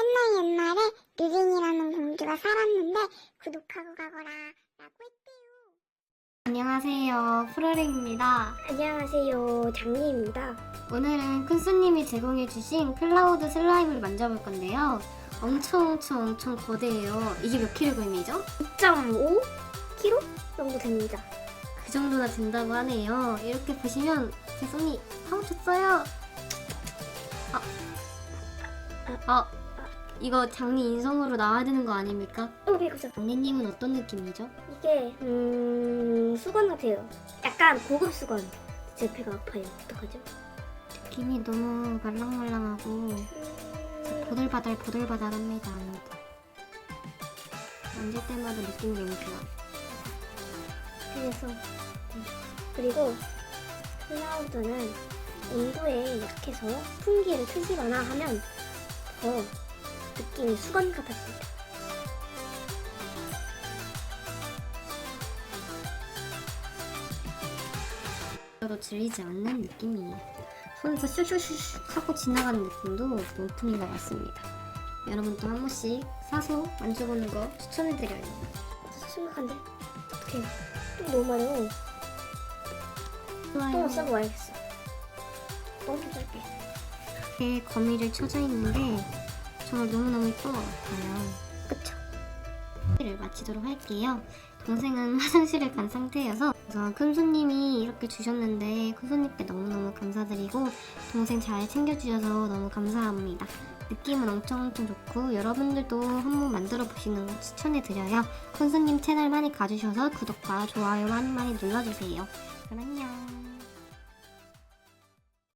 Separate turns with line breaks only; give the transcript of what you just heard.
옛날에 르링이라는 공주가 살았는데 구독하고 가거라 라고 했대요.
안녕하세요, 프로링입니다.
안녕하세요, 장미입니다.
오늘은 큰수님이 제공해주신 클라우드 슬라임을 만져볼 건데요. 엄청 거대해요. 이게 몇 킬로그램이죠?
2.5kg 정도 됩니다.
그 정도나 된다고 하네요. 이렇게 보시면 제 손이 파묻혔어요. 이거 장미 인성으로 나와야 되는 거 아닙니까?
배고파.
장미님은 어떤 느낌이죠?
이게 수건 같아요. 약간 고급 수건. 제 배가 아파요. 어떡하죠?
느낌이 너무 말랑말랑하고 보들바들합니다. 만질 때마다 느낌이 너무 좋아.
그래서 그리고 클라우드는 온도에 약해서 풍기를 트시거나 하면 더 느낌이 수건 같았습니다.
저도 질리지 않는 느낌이에요. 손에서 슉슉슉 하고 지나가는 느낌도 명품인 것 같습니다. 여러분도 한 번씩 사서 만져보는 거 추천해드려요.
심각한데? 어떡해. 또 너무 많아요. 똥을 싸고 와야겠어. 똥 좀 쌀게.
이렇게 거미를 쳐져 있는데 정말 너무너무 예쁜 것 같아요.
그쵸?
를 마치도록 할게요. 동생은 화장실을 간 상태여서 우선 큰손님이 이렇게 주셨는데 큰손님께 너무너무 감사드리고 동생 잘 챙겨주셔서 너무 감사합니다. 느낌은 엄청 좋고 여러분들도 한번 만들어 보시는 거 추천해드려요. 큰손님 채널 많이 가주셔서 구독과 좋아요 많이 눌러주세요. 그럼 안녕.